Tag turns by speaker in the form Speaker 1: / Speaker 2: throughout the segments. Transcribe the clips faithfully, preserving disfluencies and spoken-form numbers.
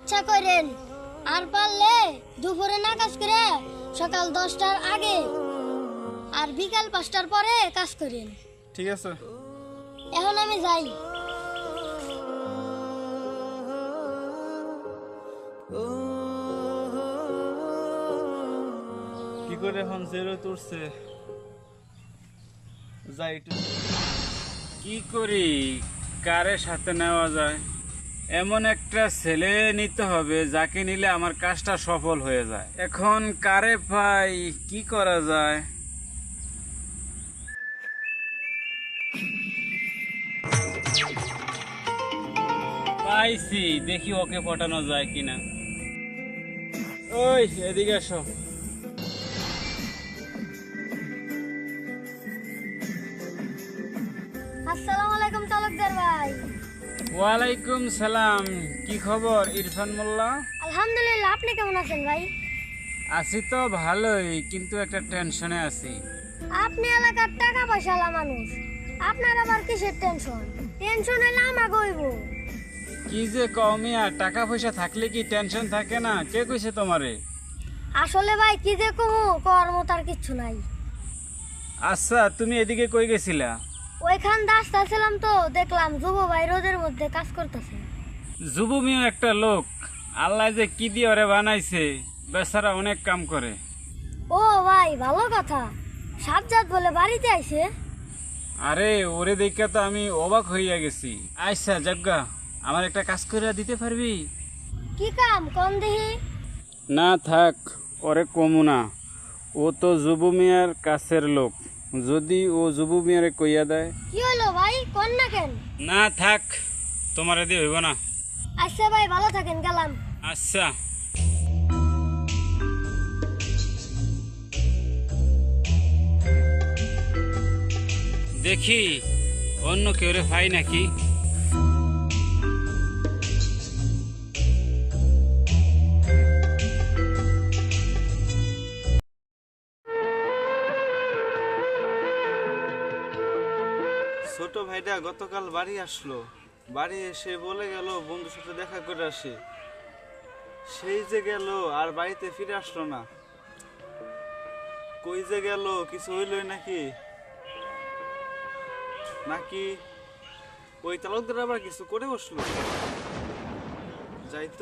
Speaker 1: আচ্ছা করেন, আর পারলে দুপুরে না কাজ করে সকাল দশটার আগে আর বিকাল পাঁচটার পরে কাজ করেন।
Speaker 2: ঠিক আছে।
Speaker 1: এখন আমি যাই।
Speaker 2: কি করে এখন জেরো তুলছে, যাই একটু কি করি, কারে সাথে নেওয়া যায়? এমন একটা ছেলে নিতে হবে যাকে নিলে আমার কাজটা সফল হয়ে যায়। এখন কারে পাই, কি করা যায়? পাইছি, দেখি ওকে পটানো যায় কিনা। ওই এদিকে এসো।
Speaker 1: আসসালামু আলাইকুম তালুকদার ভাই।
Speaker 2: ওয়ালাইকুম সালাম। কি খবর ইরফান মোল্লা?
Speaker 1: আলহামদুলিল্লাহ, আপনি কেমন আছেন ভাই?
Speaker 2: আছি তো ভালোই, কিন্তু একটা টেনশনে আছি।
Speaker 1: আপনি এলাকার টাকা পয়সালা মানুষ, আপনার আবার কিসের টেনশন? টেনশন হইলে আমাকে হইব।
Speaker 2: কি যে কমিয়া, টাকা পয়সা থাকলে কি টেনশন থাকে না? কে কইছে তোমারে?
Speaker 1: আসলে ভাই কি যে কমু, কর্ম তার কিচ্ছু নাই।
Speaker 2: আচ্ছা, তুমি এদিকে কই গেছিলা?
Speaker 1: ওইখান রাস্তা ছিলাম তো দেখলাম যুব ভাই রোদের মধ্যে কাজ করতেছে।
Speaker 2: যুবু মিয়া একটা লোক, আল্লাহ যে কি দিয়ে ওরে বানাইছে, বেচারা অনেক কাম করে।
Speaker 1: ও ভাই, ভালো কথা। সাজ্জাদ বলে বাড়িতে আইছে?
Speaker 2: আরে ওরে দেখে তো আমি অবাক হইয়া গেছি। আচ্ছা জগ্গা, আমার একটা কাজ করে দিতে পারবি?
Speaker 1: কি কাম কোন দেহি?
Speaker 2: না থাক, ওরে কমু না। ও তো যুবু মিয়ার কাছের লোক, যদি ও যুবু মিয়ারে কইয়া দেয়।
Speaker 1: কি হলো ভাই, কোন না কেন?
Speaker 2: না থাক, তোমারে দিয়ে হইব না।
Speaker 1: আচ্ছা ভাই, ভালো থাকেন, গেলাম।
Speaker 2: আচ্ছা। দেখি অন্য কেউ রে পাই নাকি। ছোট ভাইটা গতকাল বাড়ি আসলো, বাড়ি এসে বলে গেল বন্ধুর সাথে দেখা করে আসে। সেই যে গেল আর বাড়িতে ফিরে আসলো না। কই যে গেল, কিছু হইলই নাকি? নাকি ওই তালুকদার আবার কিছু করে বসলো? যাই তো।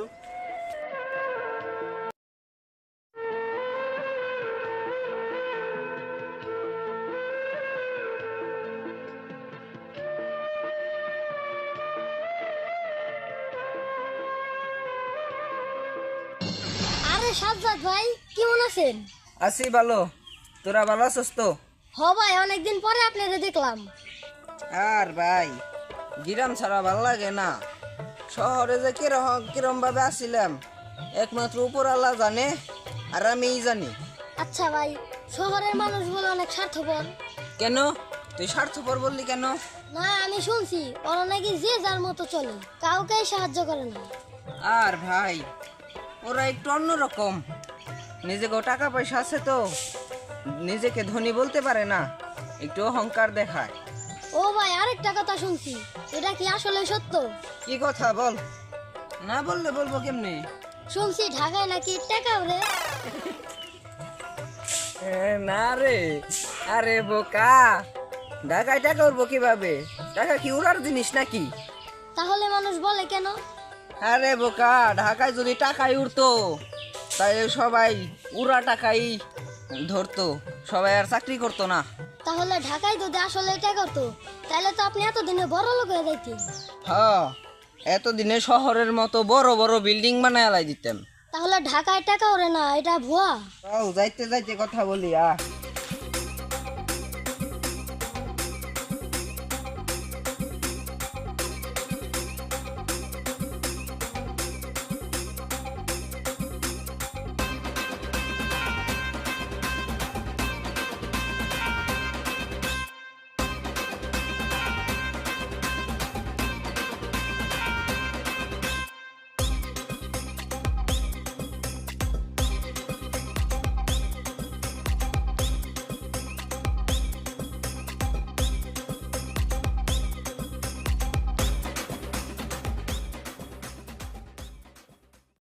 Speaker 1: আরে সাজ্জাদ ভাই, কেমন আছেন?
Speaker 3: আছি ভালো, তোরা ভালো আছিস তো?
Speaker 1: হ ভাই, অনেকদিন পরে আপনারে দেখলাম।
Speaker 3: আর ভাই, গ্রাম ছাড়া ভালো লাগে না। শহরে যে কিরকম কিরম ভাবে আসিলাম একমাত্র উপর আল্লাহ জানে, আর আমিই জানি।
Speaker 1: আচ্ছা ভাই, শহরের মানুষ বলে অনেক স্বার্থপর।
Speaker 3: কেন তুই স্বার্থপর বললি কেন?
Speaker 1: না, আমি শুনছি ওরা নাকি যে যার মতো চলে, কাউকেই সাহায্য করে না।
Speaker 3: আর ভাই, ওরা একটু অন্যরকম। নিজেকে টাকা পয়সা আছে তো নিজেকে ধনী বলতে পারে না, একটু অহংকার দেখায়।
Speaker 1: ও ভাই, আরেকটা কথা শুনছি, এটা কি আসলে সত্য?
Speaker 3: কি কথা বল, না বললে বলবো কেমনে?
Speaker 1: শুনছি ঢাকায় নাকি টাকা ওরে।
Speaker 3: না রে, আরে বোকা, ঢাকায় টাকা উঠবো কিভাবে? টাকা কি উড়ার জিনিস নাকি?
Speaker 1: তাহলে মানুষ বলে কেন?
Speaker 3: আরে বোকা, ঢাকায় যদি টাকাই উড়তো তাহলে সবাই উড়া টাকাই ধরতো, সবাই আর চাকরি করতো না।
Speaker 1: তাহলে ঢাকায় যদি আসলে টাকা হতো, তাহলে তো আপনি এতদিনে বড় লোক হয়ে যাইতেন।
Speaker 3: হ্যাঁ, এতদিনে শহরের মতো বড় বড় বিল্ডিং বানায় লাই দিতাম।
Speaker 1: তাহলে ঢাকায় টাকা ওরে না, এটা ভুয়া।
Speaker 3: যাইতে যাইতে কথা বলি আ